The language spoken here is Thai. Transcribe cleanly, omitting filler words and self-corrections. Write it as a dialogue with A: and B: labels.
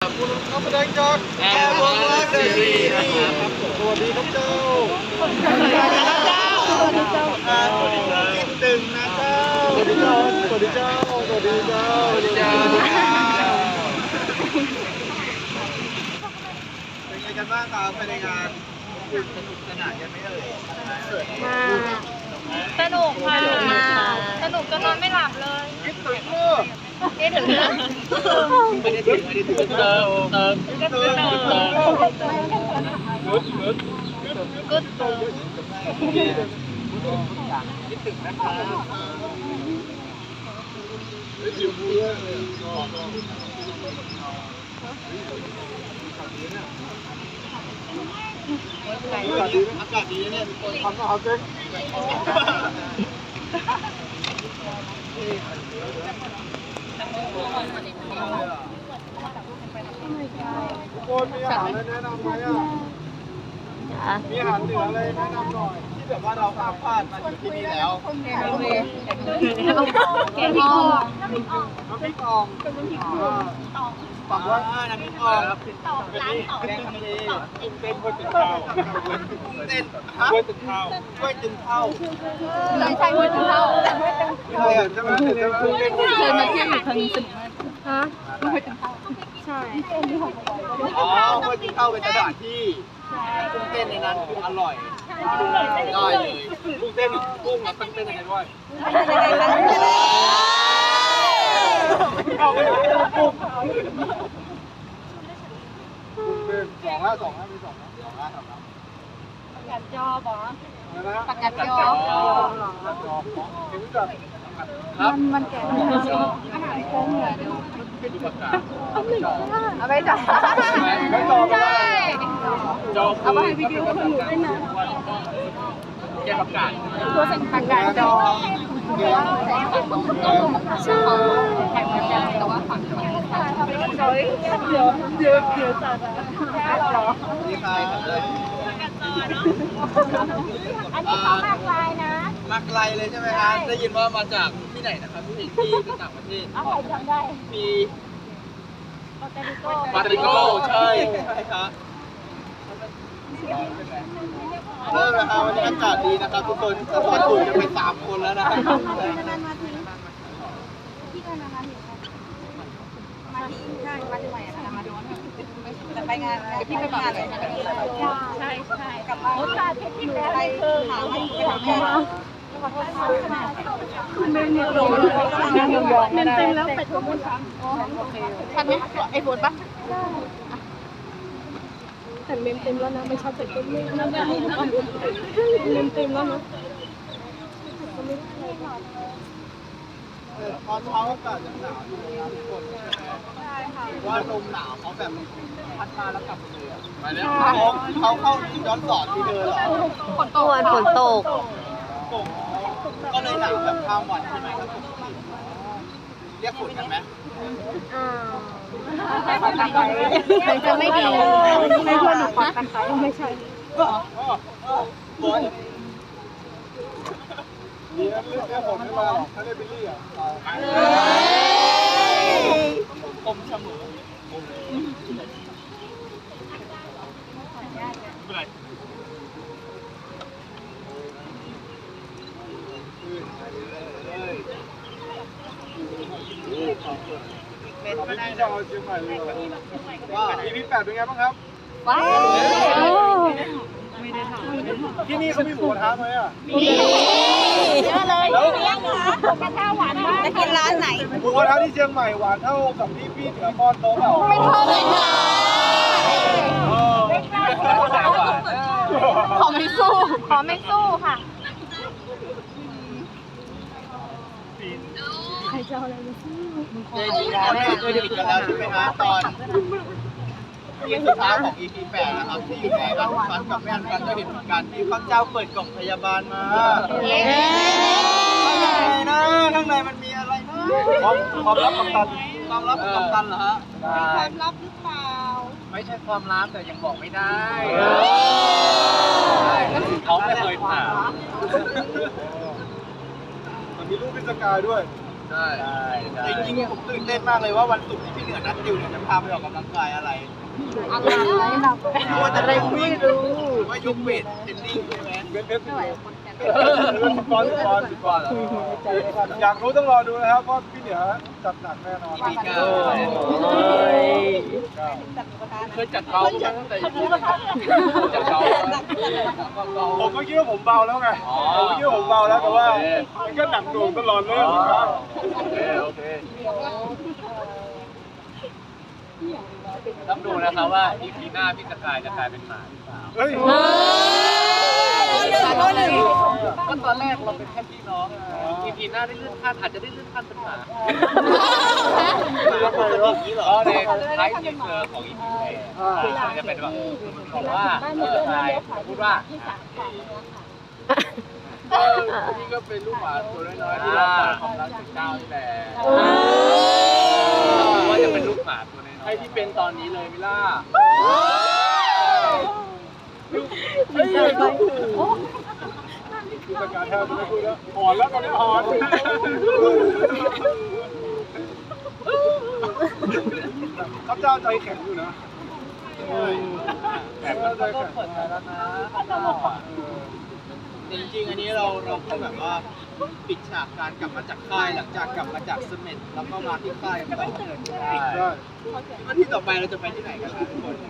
A: คุณรับแสดงจาก
B: แอร์วงศ์รักซีรีส์นะครับ
A: สวัสดีครับเจ้า
B: สวัสดีครับเจ้าสวัสดีเจ้าสวัสดีเจ้าคิดตึงนะเจ้า
A: สวัสดีเจ้าสวัสดีเจ้าสวัสดีเจ้าสวัสดีเจ้า
B: เป็นไงกันบ้างครับภายในงานสนุกสนานกันไหมเอ่ย
C: สนุกค่ะสนุกจนนอนไม่หลับเลย
B: คิดตึงลูก
C: คิดถึงเรื่อง
B: ไม่ได้ถึงเติม
C: ก็โต
B: คิดถึงนะครับอากาศดีเนี่ย
A: ทำนะครับเจ๊ทุกคนมีอาหารอะไรแนะนำไหมอ่ะมีอาหารเหนืออะไรแนะนำหน่อย
B: ที่แบบว่าเราข้ามพลาดมาอยู่ที่นี่แล้ว
C: แกงอ่อม
A: น้ำพริกอ่องปักว่า
B: น้ำพริกอ่องเป็นนี่แกงทะเล
A: กุ้งเต้นกล้วยตึงข้าว
B: กุ้งเต้น
A: กล้วยตึงข้าว
B: กล้วยตึงข้าว
C: ใช่หัวถึงเท่า
A: ใช่ใช่ไหมเดี๋ยวกุ้งเต้นกล้วยตึง
C: เคย
A: ข้าว
C: มาเที่ยวอยู่ทางนี้ฮะหัวถึงเท่าใช่
B: อ๋อกล้วยตึงข้าวเป็นสถานที่กุ้งเต้นในนั้นคืออร่อยได้เลย
A: กุ้งเต้นกุ้งมันเต้นยังไงด้วยเอาไปกุ้งเป็นสองมีสอง
C: กัดจอบ่
A: นะ
C: ปากกัดจอ
A: เห็นจับ
C: มันแก่อาหารแก่เหนือดูเอาไปจับ
A: ไม่จอไม่ได้
C: เอาไปวิดีโอคนหนูด้วยนะ
B: แกงผักกาด
C: ตัวสั่งปากกัดจอใช่แข่งกันแต่ว่าฝั่งเดี๋ยวจัดอ่ะ
B: นี่ใครครับเลย
C: อันนี้เขามากลายนะ
B: มาไกลเลยใช่ไหมครับได้ยินว่ามาจากที่ไหนนะครับที่ต่างประเทศ
C: เอาใครจำได้
B: มี
C: ปาเตริโก้
B: ปาตริโก้ใช่ครับเริ่มแล้วครับวันนี้อากาศดีนะครับทุกคนถ้าพอถูกจะไป3 คนแล้วนะครับ
C: ที่กันนะคะมาที่ใช่มาที่ใหม่อะมาดูจะไปงานที่ไปงานเลยใช่ใช่กลับมาโอ้ตาที่แล้วนี่คือหาไม่ไปทำงานคุณเมนเนี่ยลงเมนเต็มแล้วเป็ดก็หมดทันไหมไอ้ฝนปะแต่เมนเต็มแล้วนะไม่ชอบเป็ดก็ไม่นะเมนเต็มแล้วนะ
B: ตอนเช้าอากาศยังหนาวอยู่นะทุกคนว่าลมหนาวเขาแบบพัดมาแล้วกลับเลยมาแล้วเขาเข้าย้อนสอนที่เดินเหรอ
C: ฝนตก
B: ก็เลยหนาวแบบข้ามวันใช่ไหมครับเรียกฝนกันไหม
C: มันจะไม่ดีไม่ควรหนูปักกันไปไม่ใช่
B: ฝน
A: ดีนะเรื่องผมไม่มาหรอกถ้าได้บิลลี่อ่ะ
B: คมเสมอไม่เป็นไร
A: เป็นก็ได้นะเชียงใหม่เลยว่า EP 8เป็นไงบ้างครับ
C: ว้าว
A: ที่นี่เขามีหมูกระทะไหมอ่ะ
C: เยอะเลยเลี้ยงเหรอกระทะหวานมากจะกินร้านไหน
A: หมูกระทะที่เชียงใหม่หวานเท่ากับที่พี่เหนือป้อนโต๊ะเปล่า
C: ไม่เท่าเลยค่ะขอไม่สู้ค่ะใครจะเอาอะไรมาสู้
B: เจดีแล้วเนี่ยเคยติดกันแล้วใช่ไหมฮะตอนที่สุดท้ายของ EP 8นะครับที่อยู่ในบ้านฟันกับแม่ฟันก็เห็นเหมือนกันที่ข้าเจ้าเปิดกล่องพยาบาลมาข้างในนะข้างในมันมีอะไรนะ
A: ความลับกัปตัน
B: ความลับของกัปตันเหรอฮะ
C: ความลับหรือเปล่า
B: ไม่ใช่ความลับแต่ยังบอกไม่ได้เขาไม่เคยถาม
A: มันมีรูปพิจกายด้วย
B: ใใช่จริงๆผมตื่นเต้นมากเลยว่าวันศุกร์ที่พี่เหนือนัดดิวเนี่ยจะพาไปออกกำลังกายอะไรอะไรไม่รู้ว่ายกเวทเทรนนิ่งใช่ไหม
A: ก่อนอยากรู้ต้องรอดูนะครับเพราะพี่เหนือจัดหนักแน่นอน
B: EP 9เคยจัดเบาตั้งแต่จัดเบา
A: ผมก็คิดว่าผมเบาแล้วไงผมก็คิดว่าผมเบาแล้วแต่ว่ามันก็หนักหน่วงตลอดเลยครับ
B: โอเคต้องดูนะครับว่า EP หน้าพี่สกายจะกลายเป็นหมาหรือเปล่า
A: เฮ้ย
B: ก็ตอนแรกเราเป็นแค่พี่น้อง EP หน้าได้เลื่อนขั้นอาจจะได้เลื่อนขั้นเป็นหมาปกตินี้เหรอในท้ายทีเซอร์ของ EP 8จะเป็นแบบบอกว่าพี่สกายพูดว่าพี่ก็เป็นลูกหมาตัวน้อยๆที่เราปล่อยความรักจากเจ้านี่แหละว่าจะเป็นลูกหมาตัวน้อยๆให้ที่เป็นตอนนี้เลยมิล่า
A: ผู้จัดการแทบไม่พูดแล้วหอนแล้วตอนนี้หอนข้าเจ้าใจแข็งอยู่นะแต่ก็ใจแข็งเปิดใจแล้วนะ
B: จริงๆอันนี้เราก็แบบว่าปิดฉากการกลับมาจากค่ายหลังจากกลับมาจากเสม็ดแล้วก็มาที่ค่ายกันต่อว่าที่ต่อไปเราจะไปที่ไหนกันครับทุกคน